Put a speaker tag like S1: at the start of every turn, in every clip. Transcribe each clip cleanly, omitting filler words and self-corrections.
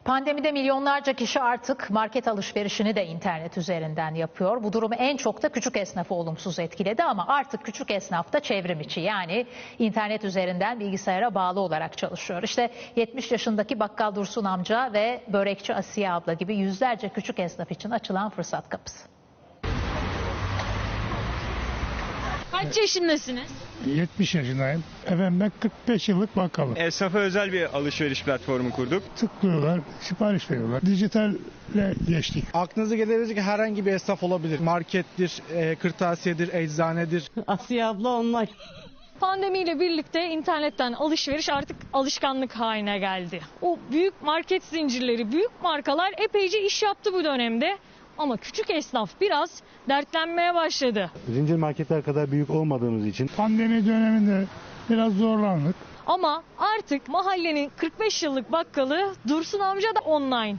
S1: Pandemide milyonlarca kişi artık market alışverişini de internet üzerinden yapıyor. Bu durum en çok da küçük esnafı olumsuz etkiledi ama artık küçük esnaf da çevrim içi, yani internet üzerinden bilgisayara bağlı olarak çalışıyor. İşte 70 yaşındaki bakkal Dursun amca ve börekçi Asiye abla gibi yüzlerce küçük esnaf için açılan fırsat kapısı.
S2: Kaç yaşındasınız?
S3: 70 yaşındayım. Efendim ben 45 yıllık bakkalım.
S4: Esnafa özel bir alışveriş platformu kurduk.
S3: Tıklıyorlar, sipariş veriyorlar. Dijitalle geçtik.
S5: Aklınıza gelebilecek herhangi bir esnaf olabilir. Markettir, kırtasiyedir, eczanedir.
S6: Asiye abla online.
S2: Pandemiyle birlikte internetten alışveriş artık alışkanlık haline geldi. O büyük market zincirleri, büyük markalar epeyce iş yaptı bu dönemde. Ama küçük esnaf biraz dertlenmeye başladı.
S7: Zincir marketler kadar büyük olmadığımız için
S3: Pandemi döneminde biraz zorlandık.
S2: Ama artık mahallenin 45 yıllık bakkalı Dursun amca da online.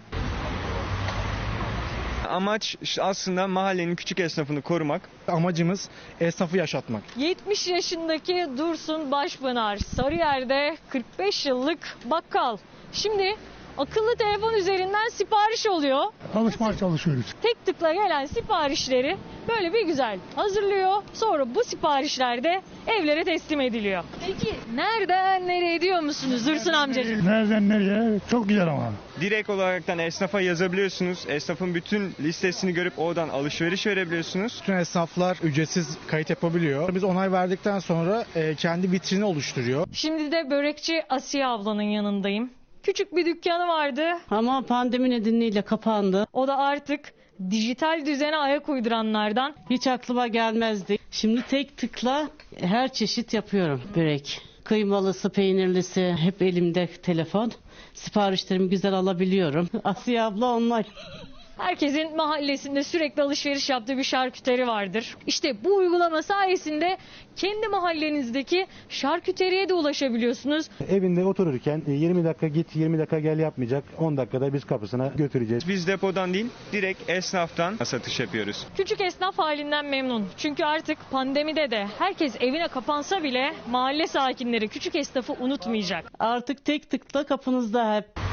S4: Amaç aslında mahallenin küçük esnafını korumak.
S5: Amacımız esnafı yaşatmak.
S2: 70 yaşındaki Dursun Başpınar Sarıyer'de 45 yıllık bakkal. Şimdi akıllı telefon üzerinden sipariş oluyor.
S3: Alışmaya çalışıyoruz.
S2: Tek tıkla gelen siparişleri böyle bir güzel hazırlıyor. Sonra bu siparişler de evlere teslim ediliyor. Peki nereden nereye diyor musunuz Dursun amcacığım?
S3: Nereden nereye? Çok güzel ama.
S4: Direkt olaraktan esnafa yazabiliyorsunuz. Esnafın bütün listesini görüp oradan alışveriş verebiliyorsunuz.
S5: Bütün esnaflar ücretsiz kayıt yapabiliyor. Biz onay verdikten sonra kendi vitrini oluşturuyor.
S2: Şimdi de börekçi Asiye ablanın yanındayım. Küçük bir dükkanı vardı.
S6: Ama pandemi nedeniyle kapandı.
S2: O da artık dijital düzene ayak uyduranlardan.
S6: Hiç aklıma gelmezdi. Şimdi tek tıkla her çeşit yapıyorum börek. Kıymalısı, peynirlisi hep elimde telefon. Siparişlerimi güzel alabiliyorum. Asiye abla online.
S2: Herkesin mahallesinde sürekli alışveriş yaptığı bir şarküteri vardır. İşte bu uygulama sayesinde kendi mahallenizdeki şarküteriye de ulaşabiliyorsunuz.
S7: evinde otururken 20 dakika git 20 dakika gel yapmayacak, 10 dakikada biz kapısına götüreceğiz.
S4: Biz depodan değil, direkt esnaftan satış yapıyoruz.
S2: Küçük esnaf halinden memnun. Çünkü artık pandemide de herkes evine kapansa bile mahalle sakinleri küçük esnafı unutmayacak.
S6: Artık tek tıkla kapınızda hep.